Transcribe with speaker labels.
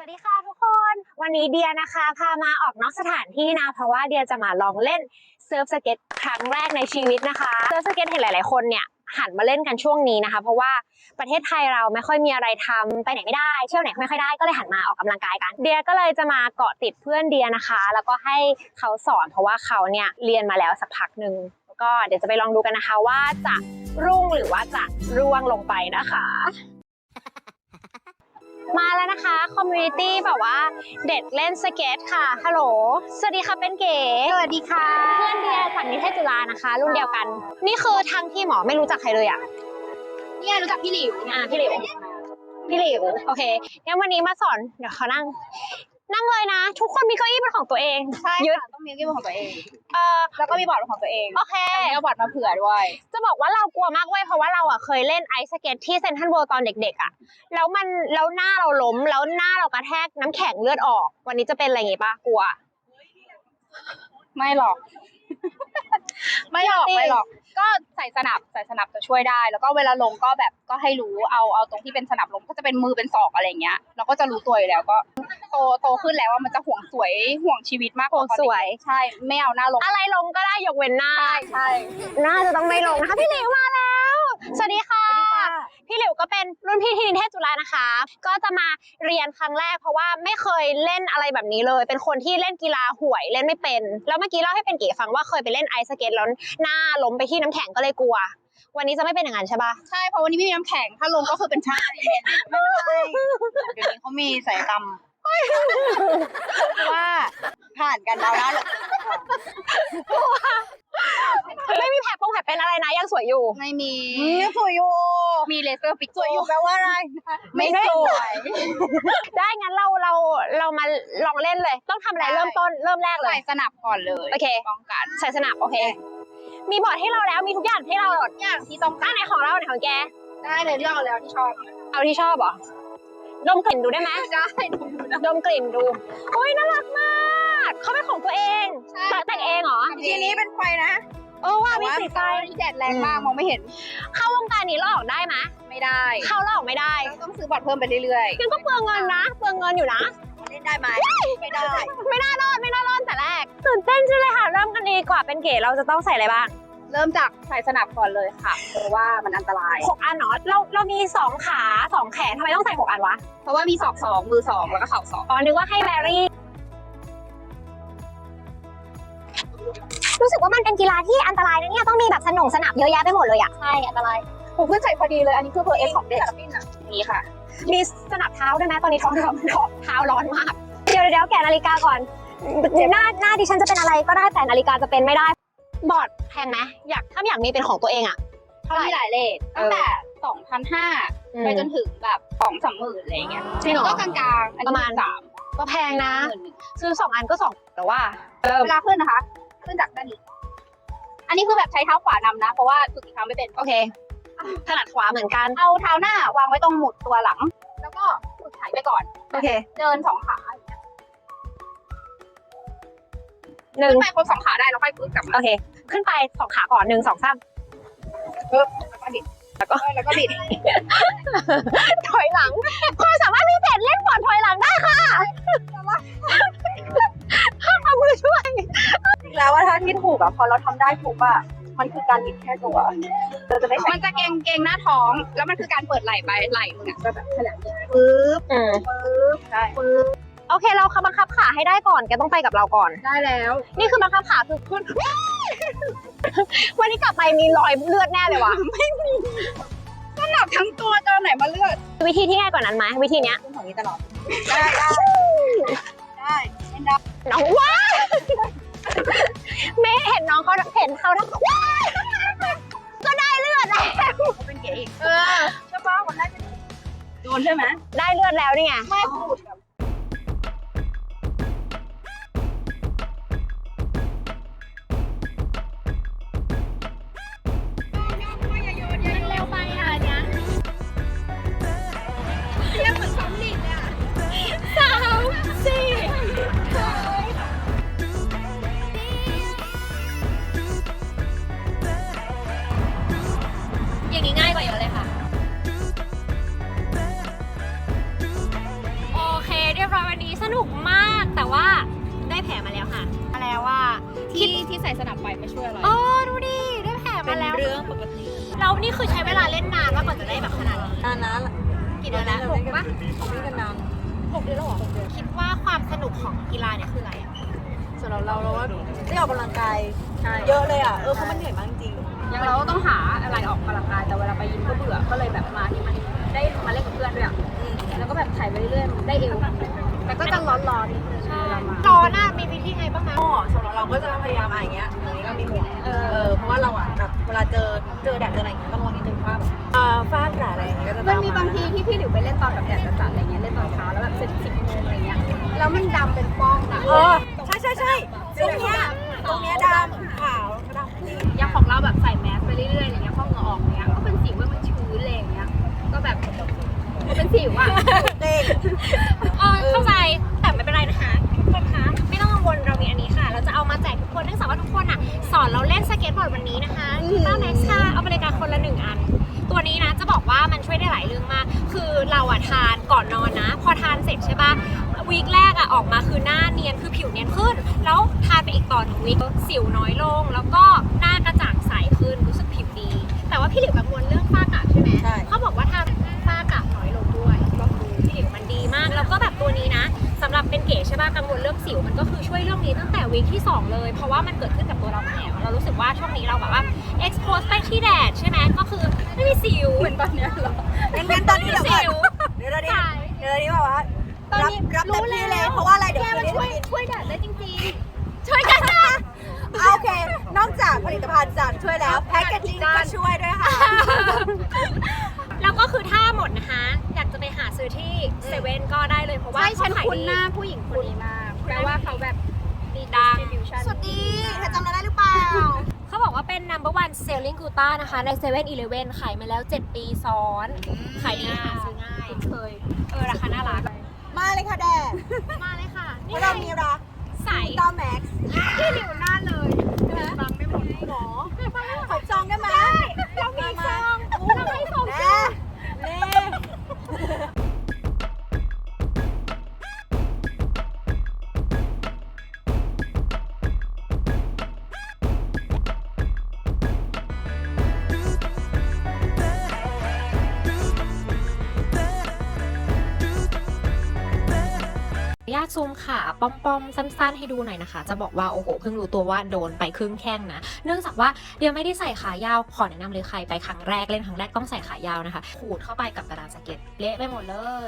Speaker 1: ดีค่ะทุกคนวันนี้เดียนะคะพามาออกนอกสถานที่นะเพราะว่าเดียจะมาลองเล่นเซิร์ฟสเก็ตครั้งแรกในชีวิตนะคะเซิร์ฟสเก็ตเห็นหลายๆคนเนี่ยหันมาเล่นกันช่วงนี้นะคะเพราะว่าประเทศไทยเราไม่ค่อยมีอะไรทำไปไหนไม่ได้เที่ยวไหนไม่ค่อยได้ก็เลยหันมาออกกำลังกายกันเดียก็เลยจะมาเกาะติดเพื่อนเดียนะคะแล้วก็ให้เขาสอนเพราะว่าเขาเนี่ยเรียนมาแล้วสักพักหนึ่งก็เดี๋ยวจะไปลองดูกันนะคะว่าจะรุ่งหรือว่าจะร่วงลงไปนะคะมาแล้วนะคะคอมมูนิตี้แบบว่าเด็กเล่นสเก็ตค่ะฮัลโหลสวัสดีค่ะเป็นเก๋สวัสดีค่ะเพื่อนเดียจากนิเทศจุฬานะคะรุ่นเดียวกันนี่คือทางที่หมอไม่รู้จักใครเลยอ่ะ
Speaker 2: เนี่ยรู้จักพี่หลิว
Speaker 1: พี่หลิวโอเคงั้นวันนี้มาสอนเดี๋ยวเขานั่งเลยนะทุกคนมีเก้าอี้เป็นของตัวเอง
Speaker 2: ใช่
Speaker 1: ยึด
Speaker 2: ต้องมีเก้าอี้เป็นของตัวเองแล้วก็มีบอร์ดเป็นของตัวเอง
Speaker 1: โอเค
Speaker 2: เอาบอร์ดมาเผื่อด้วย
Speaker 1: จะบอกว่าเรากลัวมากเว้ยเพราะว่าเราอ่ะเคยเล่นไอซ์สเก็ตที่เซ็นทรัลเวิลด์ตอนเด็กๆอ่ะแล้วหน้าเราล้มแล้วหน้าเรากระแทกน้ำแข็งเลือดออกวันนี้จะเป็นอะไรอย่างงี้ป่ะกลัว
Speaker 2: ไม่หรอกไม่หรอกก็ใส่สนับจะช่วยได้แล้วก็เวลาลงก็แบบก็ให้รู้เอาตรงที่เป็นสนับลงก็จะเป็นมือเป็นศอกอะไรเงี้ยเราก็จะรู้ตัวอยู่แล้วก็โตขึ้นแล้วว่ามันจะห่วงสวยห่วงชีวิตมากกว่า
Speaker 1: สวย
Speaker 2: ใช่ไม่เอาหน้าลง
Speaker 1: อะไรลงก็ได้ยกเว้นหน้า
Speaker 2: ใช่
Speaker 1: หน้าจะต้องไม่ลงนะคะพี่หลิวมาแล้วสวัสดีค่ะพี่หลิวก็เป็นรุ่นพี่ที่นิเทศจุฬานะคะก็จะมาเรียนครั้งแรกเพราะว่าไม่เคยเล่นอะไรแบบนี้เลยเป็นคนที่เล่นกีฬาห่วยเล่นไม่เป็นแล้วเมื่อกี้เล่าให้เป็นเก๋ฟังว่าเคยไปเล่นไอซ์สเก็ตแล้วหน้าล้มไปที่น้ำแข็งก็เลยกลัววันนี้จะไม่เป็นอย่างนั้นใช่ปะ
Speaker 2: ใช่เพราะวันนี้ไม่มีน้ำแข็งถ้าลงก็คือเป็นชาไม่เป็นไรเดี๋ยวนี้เขามีศัลยกรรมว่าผ่านกันแล้วนะ
Speaker 1: ไม่มีแผลเป็นอะไรนะยังสวยอยู่
Speaker 2: ไม่มียังสวยอยู่มีเลเซอร์ฟิกสวยอยู่แปลว่าอะไรไม่สวย
Speaker 1: ได้งั้นเรามาลองเล่นเลยต้องทำอะไรเริ่มแรกเลย
Speaker 2: ใส่สนับก่อนเลย
Speaker 1: โอเค
Speaker 2: ป้องกัน
Speaker 1: ใส่สนับโอเคมีบอร์ดให้เราแล้วมีทุกอย่างให้เรา
Speaker 2: ทุกอย่างที่ต้องการ
Speaker 1: ไหนของเราไหนของแก
Speaker 2: ได้เลยเลือกเอาแล้วที่ชอบ
Speaker 1: เอาที่ชอบเหรอดมกลิ่นดูได้ไหม
Speaker 2: ได้
Speaker 1: ดมกลิ่นดูโอ้ยน่ารักมากเขาเป็นของตัวเองแต่งเองเหรอ
Speaker 2: ทีนี้เป็นไฟนะ
Speaker 1: ว่ามีสีไฟ
Speaker 2: แดดแรงมากมองไม่เห็น
Speaker 1: เข้าวงการนี้เราออกได้ไหม
Speaker 2: ไม่ได้
Speaker 1: เข้าเราออกไม่ได้
Speaker 2: ต้องซื้อบัตรเพิ่มไปเรื่อย
Speaker 1: ๆงั้นก็เปลืองเงินนะเปลืองเงินอยู่นะ
Speaker 2: เล่นได้ไหมไม่ได้
Speaker 1: ไม่น่ารอดแต่แรกตื่นเต้นจังเลยค่ะเริ่มกันดีกว่าเป็นเก๋เราจะต้องใส่อะไรบ้าง
Speaker 2: เริ่มจากใส่สนับก่อนเลยค่ะเพราะว่ามันอันตราย
Speaker 1: 6 อันเนาะเรามี2 ขา2 แขนทำไมต้องใส่6 อันวะ
Speaker 2: เพราะว่ามีศอก2มือ2แล้วก็เข่า2
Speaker 1: อ๋อนึกว่าให้แบรี่รู้สึกว่ามันเป็นกีฬาที่อันตรายนะเนี่ยต้องมีแบบสนับเยอะแยะไปหมดเลยอ่ะ
Speaker 2: ใช่อันตรายผมเพิ่งใส่พอดีเลยอันนี้คือเพอร์เอสของเด็กนี่ค่ะ
Speaker 1: มีสนับเท้าด้วยไหมตอนนี้ท้องเท้าร้อนมากเดี๋ยวแกะนาฬิกาก่อนหน้าดิฉันจะเป็นอะไรก็ได้แต่นาฬิกาจะเป็นไม่ได้บอร์ดแพงไหมถ้าอยากมีเป็นของตัวเองอ่ะ
Speaker 2: มีหลายเลทตั้งแต่ 2,500 ไปจนถึงแบบ2-3 หมื่นอะไรเงี้ยก็กลางๆ
Speaker 1: ประมาณ3ก็แพงนะซื้อ2 อันก็2แต่ว่า
Speaker 2: เวลาขึ้นนะคะขึ้นจากด้านนี้อันนี้คือแบบใช้เท้าขวานำนะเพราะว่าฝึกอีกครั้งไม่เป็น
Speaker 1: โอเคถนัดขวาเหมือนกัน
Speaker 2: เอาเท้าหน้าวางไว้ตรงหมุดตัวหลังแล้วก็ฝึกถ่ายไปก่อน
Speaker 1: โอเค
Speaker 2: เดิน2 ขาขึ้นไปครบ2 ขาได้แล้วค่อยฝึกกลับมา
Speaker 1: โอเคขึ้นไป2 ขาก่อน1 2 3
Speaker 2: แล้วก็บิด
Speaker 1: ถอยหลังความสามารถพิเศษเล่นบอร์ดถอยหลังได้ค่ะเอามือช่วย
Speaker 2: จริงแล้วว่าถ้าที่ถูกอะพอเราทำได้ถูกอะมันคือการบิดแค่ตัวเราจะไม่มันจะเกรงหน้าท้องแล้วมันคือการเปิดไหล่ไปไหล่มึงอะก็แบบขนาดนี้ปึ๊บ
Speaker 1: ใช่โอเคเราบังคับขาให้ได้ก่อนแกต้องไปกับเราก่อน
Speaker 2: ได้แล้ว
Speaker 1: นี่คือบังคับขาคือขึ้นวันนี้กลับไปมีรอยเลือดแน่เลยวะ
Speaker 2: ไม่มีก็หนักทั้งตัวตอนไหนมาเลือด
Speaker 1: วิธีที่ง่ายกว่านั้นไหมวิธีเนี้ย
Speaker 2: ของนี้ตลอดได้
Speaker 1: น้องว้าไม่เห็นน้องเขาทั้งว้าก็ได้เลือดแล้ว
Speaker 2: เป็นเก๋อีกใช่ป่ะมันได้โดนใช่ไหม
Speaker 1: ได้เลือดแล้วนี่ไง
Speaker 2: ไม่พูด
Speaker 1: อย่างนี้ง่ายกว่าเยอะเลยค่ะโอเคยบร้อยวันนี้สนุกมากแต่ว่าได้แผลมาแล้วค่ะมาแล้วว่า
Speaker 2: ที่ใส่สนับไปไม่ช่วยอะไร
Speaker 1: อ๋อดูดิได้แผลมาแล้ว
Speaker 2: เรื่องปกติ
Speaker 1: เรานี่คือใช้เวลาเล่นนานมากกว่าจะได้แบบขนาดนี้
Speaker 3: นานนะ
Speaker 1: กี่เดือนแล้ว6ปะ
Speaker 3: เล่นกันนาน
Speaker 1: 6 เดือนแล้วเหรอคิดว่าความสนุกของกีฬาเนี่ยคืออะไรอะ
Speaker 3: ส่วนเราว่าได้ออกกำลังกายเยอะเลยอ่ะเพราะมันเหนื่อยมากจริง
Speaker 2: อย่างเราต้องหาอะไรออกกำลังกายแต่เวลาไปยิมก็เบื่อก็เลยแบบมาที่มันได้มาเล่นกับเพื่อนด้วยอ่ะแล้วก็แบบถ่ายไปเรื่อยๆได้เอวแต่ก็จะร้อนๆนิดนึงเวลามา
Speaker 1: ร้อนอะมีวิธีไงบ้างคะ
Speaker 3: สำหรับเราก็จะพยายามอย่างเงี้ยตรงนี้ก็มีห่วงเพราะว่าเราอ่ะแบบเวลาเจอแดดเจออะไรอย่างเงี้ยต้องระวังนิดนึงว่าแบบฟ้าผ่าอะไรอย่างเงี้ยก็จะ
Speaker 2: มันมีบางทีที่พี่หลิวไปเล่นตอนแบบแดดจัดๆอะไรเงี้ยเล่นตอนเช้าแล้วแบบ10 โมงอะไรเงี้ยแล้วมันดำเป็นฟองอะ
Speaker 3: ใช่ตรงเนี้ยดำขาวดำ
Speaker 2: อย่างของเราแบบใส่แมสไปเรื่อยๆอะไรเงี้ยพอเหงื่อออกเงี้ยก็เป็นสิวว่ามันชื้นอะไรอย่างเงี้ยก็แบบเป็นสิวอ่ะ
Speaker 3: เด็ก
Speaker 1: เข้าใจแต่ไม่เป็นไรนะคะทุกคนคะไม่ต้องกังวลเรามีอันนี้ค่ะ เราจะเอามาแจกทุกคนเนื่องจากว่าทุกคนอ่ะสอนเราเล่นสเก็ตบอร์ดวันนี้นะคะต้าแม็กซ์ค่ะเอาบริการคนละ1 อัน ตัวนี้นะจะบอกว่ามันช่วยได้หลายเรื่องมาก คือเราอะทานก่อนนอนนะ พอทานเสร็จใช่ปะวีคแรกอะออกมาคือหน้าเนียนคือผิวเนียนขึ้น แล้วทานไปอีกต่อ1 วีคสิวน้อยลง แล้วก็หน้ากระจ่างใสขึ้นรู้สึกผิวดี แต่ว่าพี่หลิวกังวลเรื่องฝ้ากระใช่ไหม
Speaker 3: ใช่
Speaker 1: เขาบอกว่าทำฝ้ากระน้อยลงด้วยลองดูพี่หลิวมันดีมาก แล้วก็แบบตัวนี้นะสำหรับเป็นเก๋ใช่ปะกังวลเรื่องสิวมันก็คือช่วยเรื่องนี้ตั้งแต่วีคที่ 2 เลย เพราะว่ามันเกิดขึ้นกับตัวเราแล้วเรารู้สึกว่าช่วงนี้เราแบบว่า expose ไปที่แดดใช่ไหมก็คือไม่มีสิว
Speaker 2: เหมือนตอนเนี้ยเหรอ
Speaker 3: งั้นตอนนี้เดี๋ยวก่อน
Speaker 1: สิว
Speaker 3: เดี๋ยวนี้แบบว่า
Speaker 2: ตอนนี้
Speaker 3: รับเต็มที่เลยเพราะว่าอะไรเดี๋ยว
Speaker 2: แก
Speaker 3: คื
Speaker 2: มัน น
Speaker 3: นี้
Speaker 2: ช่วยแดดได้จริง
Speaker 1: ช่วยกันนะ
Speaker 3: โอเค นอกจากผลิตภัณฑ์จากช่วยแล้วแพ็กเกจจิ้งก็ช่วยด้วยค่ะ
Speaker 1: แล้วก็คือถ้าหมดนะคะ อยากจะไปหาซื้อที่เซเว่นก็ได้เลยเพราะ
Speaker 2: ๆ
Speaker 1: ว่า
Speaker 2: ใช่ฉัน
Speaker 1: เขาขาย
Speaker 2: คุ้น
Speaker 1: ดี
Speaker 2: หน้าผู้หญิงคนนี้มากแปลว่าเขาแบบดี
Speaker 1: ดัง
Speaker 2: distribution
Speaker 3: สวัสดีเธอจำเราได้หรือเปล่า
Speaker 1: เขาบอกว่าเป็น number one selling gluta นะคะใน7 e ขายมาแล้ว 7 ปีซ้อน ขายดีหาซื้อง่าย
Speaker 2: เคย
Speaker 1: ราคาน่ารัก
Speaker 3: มาเลยค่ะแดด
Speaker 1: มาเลยค่ะ
Speaker 3: เพ
Speaker 1: นี่
Speaker 3: ราะ
Speaker 1: ไง
Speaker 3: เรามีรัก
Speaker 1: ใส
Speaker 3: ต้าแม็กซ์
Speaker 2: พี่หลิวหน้าเลยฟังไม่หมดหรอ
Speaker 3: ขอจองได้ไหม
Speaker 1: เรามีซองเราให้ซอง
Speaker 3: แน่เน่
Speaker 1: ญาตซูมขาป้อมๆสั้นๆให้ดูหน่อยนะคะ จะบอกว่าโอ้โหเพิ่งรู้ตัวว่าโดนไปครึ่งแข้งนะ เนื่องจากว่าเดี๋ยวไม่ได้ใส่ขายาวขอแนะนำเลยใครไปครั้งแรกเล่นครั้งแรกต้องใส่ขายาวนะคะขูดเข้าไปกับกระดานสเก็ตเละไปหมดเลย